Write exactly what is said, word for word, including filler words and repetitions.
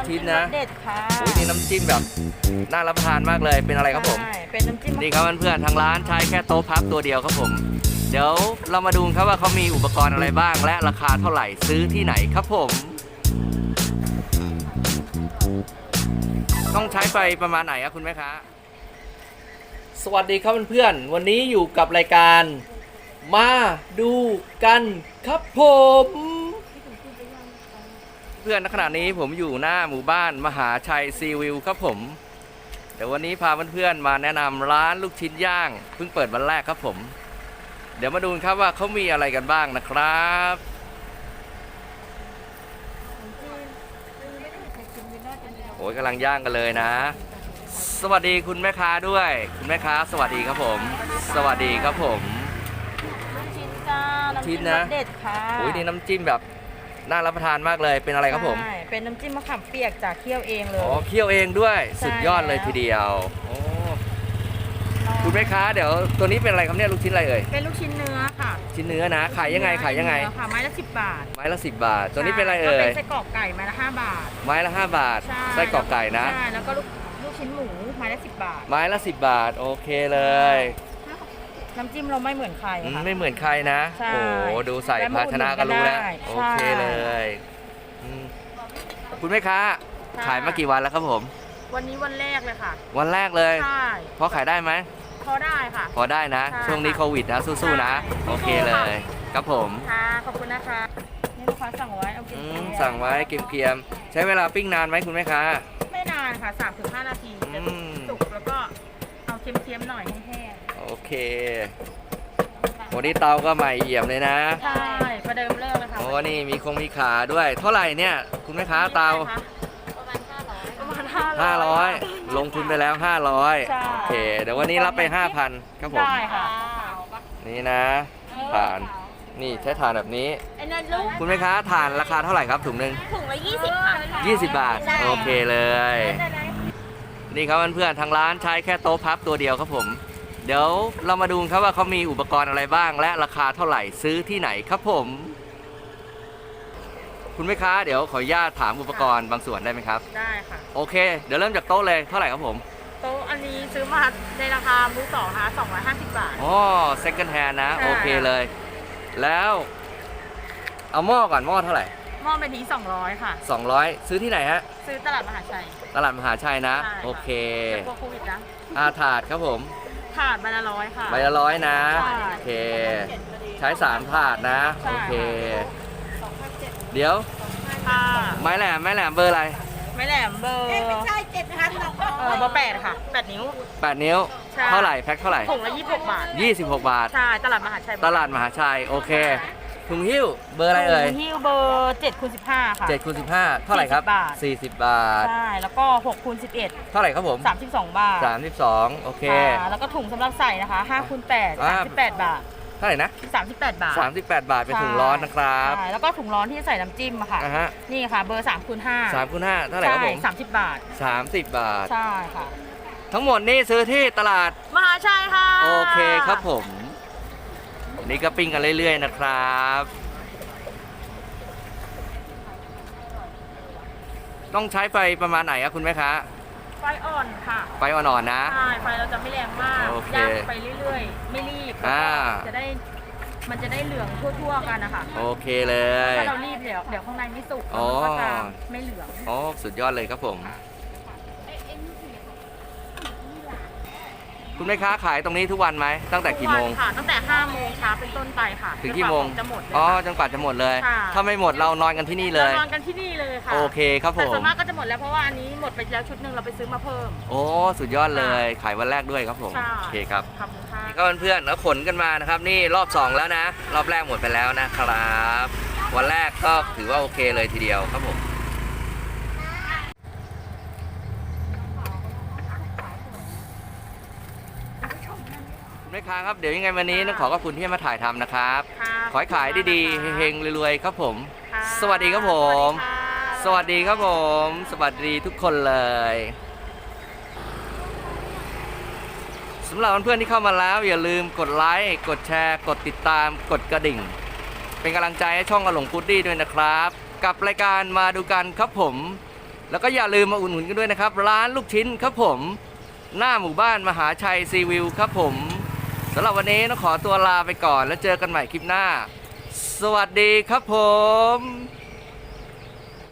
ชิ้นนะเด็ดค่ะโอ้ยนี่น้ำจิ้มแบบน่ารับประทานมากเลยเป็นอะไรครับผมใช่เป็นน้ำจิ้มนี่ครับเพื่อนๆทางร้านใช้แค่โต๊ะพับตัวเดียวครับผมเดี๋ยวเรามาดูครับว่าเขามีอุปกรณ์อะไรบ้างและราคาเท่าไหร่ซื้อที่ไหนครับผมต้องใช้ไฟประมาณไหนครับคุณแม่ค้าสวัสดีครับเพื่อนๆวันนี้อยู่กับรายการมาดูกันครับผมเพื่อนณขณะนี้ผมอยู่หน้าหมู่บ้านมหาชัยซีวิวครับผมเดี๋ยววันนี้พาเพื่อนๆมาแนะนำร้านลูกชิ้นย่างเพิ่งเปิดวันแรกครับผมเดี๋ยวมาดูครับว่าเขามีอะไรกันบ้างนะครับโอ้ยกำลังย่างกันเลยนะสวัสดีคุณแม่ค้าด้วยคุณแม่ค้าสวัสดีครับผมสวัสดีครับผมชิ้นจ้าน้ำจิ้มรสเด็ดค่ะโอ้ยนี่น้ำจิ้มแบบน่ารับประทานมากเลยเป็นอะไรครับผมใช่เป็นน้ำจิ้มมะขามเปียกจากเคี่ยวเองเลยอ๋อเคี่ยวเองด้วยสุดยอดเลยทีเดียวโอ้คุณแม่ค้าเดี๋ยวตัวนี้เป็นอะไรครับเนี่ยลูกชิ้นอะไรเอ่ยเป็นลูกชิ้นเนื้อค่ะชิ้นเนื้อนะขายยังไงขายยังไงค่ะไม้ละสิบบาทไม้ละสิบบาทตัวนี้เป็นอะไรเอ่ยเป็นไส้กรอกไก่ไม้ละห้าบาทไม้ละห้าบาทไส้กรอกไก่นะใช่แล้วก็ลูกลูกชิ้นหมูไม้ละสิบบาทไม้ละสิบบาทโอเคเลยน้ำจิ้มเราไม่เหมือนใครค่ะไม่เหมือนใครนะโอ้โหดูใส่ภาชนะก็รู้แล้วโอเคเลยคุณแม่ค้าขายมากี่วันแล้วครับผมวันนี้วันแรกเลยค่ะวันแรกเลยใช่พอขายได้ไหมพอได้ค่ะพอได้นะช่วงนี้โควิดนะสู้ๆนะโอเคเลยครับผมค่ะขอบคุณนะคะนี่ลูกค้าสั่งไว้เอาเก็บสั่งไว้เกรียมๆใช้เวลาปิ้งนานไหมคุณแม่ค้าไม่นานค่ะสามถึงห้านาทีจะสุกแล้วก็เอาเค็มๆหน่อยให้แห้งโอเควันนี้เตาก็ใหม่เอี่ยมเลยนะใช่ประเดิมเริ่มเลยค่ะโอ้นี่มีคงมีขาด้วยเท่าไหร่เนี่ยคุณแม่ค้าเตาประมาณห้าร้อยประมาณห้าร้อยลงทุนไปแล้วห้าร้อยโอเคเดี๋ยววันนี้รับไปห้าพันครับผมได้ค่ะนี่นะฐานนี่ใช้ฐานแบบนี้คุณแม่ค้าฐานราคาเท่าไหร่ครับถุงหนึ่งถุงละยี่สิบค่ะยี่สิบบาทโอเคเลยนี่ครับเพื่อนๆทางร้านใช้แค่โต๊ะพับตัวเดียวครับผมเดี๋ยวเรามาดูครับว่าเขามีอุปกรณ์อะไรบ้างและราคาเท่าไหร่ซื้อที่ไหนครับผมคุณแม่ค้าเดี๋ยวขออนุญาตถามอุปกรณ์บางส่วนได้ไหมครับได้ค่ะโอเคเดี๋ยวเริ่มจากโต๊ะเลยเท่าไหร่ครับผมโต๊ะอันนี้ซื้อมาในราคามือสองนะคะสองร้อยห้าสิบบาทอ๋อ second hand นะโอเคเลยแล้วเอาหม้อก่อนหม้อเท่าไหร่หม้อเป็นนี้สองร้อยค่ะสองร้อยซื้อที่ไหนฮะซื้อตลาดมหาชัยตลาดมหาชัยนะโอเคกลัวโควิดนะอาถาดครับผมถาดใบละร้อยค่ะใบละร้อยนะโอเคใช้สามถาดนะโอเคเดี๋ยวไม้แหลมไม้แหลมเบอร์อะไรไม้แหลมเบอร์ไม่ใช่เจ็ดพันหรอกเออเบอร์แปดค่ะแปดนิ้วแปดนิ้วเท่าไหร่แพ็คเท่าไหร่ถุงละยี่สิบหกบาทยี่สิบหกบาทใช่ตลาดมหาชัยตลาดมหาชัยโอเคถุงหิ้วเบอร์อะไรเอ่ยถุงหิ้วเบอร์เจ็ดคูณสิบห้าค่ะเจ็ดคูณสิบห้าเท่าไหร่ครับสี่สิบบาทใช่แล้วก็หกคูณสิบเอ็ดเท่าไหร่ครับผมสามสิบสองบาทสามสิบสองโอเคแล้วก็ถุงสำหรับใส่นะคะห้าคูณแปดสามสิบแปดบาทเท่าไหร่นะสามสิบแปดบาทสามสิบแปดบาทเป็นถุงร้อนนะครับแล้วก็ถุงร้อนที่ใส่น้ำจิ้มอะค่ะนี่ค่ะเบอร์สามคูณห้าสามคูณห้าเท่าไหร่ครับผมสามสิบบาทสามสิบบาทใช่ค่ะทั้งหมดนี่ซื้อที่ตลาดมหาชัยค่ะโอเคครับผมนี่ก็ปิ้งกันเรื่อยๆนะครับต้องใช้ไฟประมาณไหนครับคุณแม่ค้าไฟอ่อนค่ะไฟอ่อนๆนะใช่ไฟเราจะไม่แรงมากย่างไปเรื่อยๆไม่รีบจะได้มันจะได้เหลืองทั่วๆกันนะคะโอเคเลยถ้าเรารีบเดี๋ยวเดี๋ยวข้างในไม่สุกมันก็จะไม่เหลืองอ๋อสุดยอดเลยครับผมคุณแม่ค้าขายตรงนี้ทุกวันไหมตั้งแต่กี่โมงค่ะตั้งแต่ห้าโมงเช้าเป็นต้นไปค่ะถึงกี่โมงจะหมดอ๋อจนกว่าจะหมดเลยถ้าไม่หมดเรานอนกันที่นี่เลยนอนกันที่นี่เลยค่ะโอเคครับผมแต่ส่วนมากก็จะหมดแล้วเพราะว่าอันนี้หมดไปแล้วชุดหนึ่งเราไปซื้อมาเพิ่มโอ้สุดยอดเลยขายวันแรกด้วยครับผมโอเคครับขอบคุณค่ะก็เพื่อนๆแล้วขนกันมานะครับนี่รอบสองแล้วนะรอบแรกหมดไปแล้วนะครับวันแรกก็ถือว่าโอเคเลยทีเดียวครับผมแม่ค้าครับเดี๋ยวยังไงวันนี้ต้องขอขอบคุณที่มาถ่ายทำนะครับขอให้ขายดีๆเฮงๆรวยๆครับผมสวัสดีครับผมสวัสดีครับผมสวัสดีทุกคนเลยสำหรับเพื่อนๆที่เข้ามาแล้วอย่าลืมกดไลค์กดแชร์กดติดตามกดกระดิ่งเป็นกำลังใจให้ช่องอหลงพุดดี้ด้วยนะครับกับรายการมาดูกันครับผมแล้วก็อย่าลืมมาอุดหนุนกันด้วยนะครับร้านลูกชิ้นครับผมหน้าหมู่บ้านมหาชัยซีวิวครับผมสำหรับวันนี้ต้องขอตัวลาไปก่อนแล้วเจอกันใหม่คลิปหน้าสวัสดีครับผม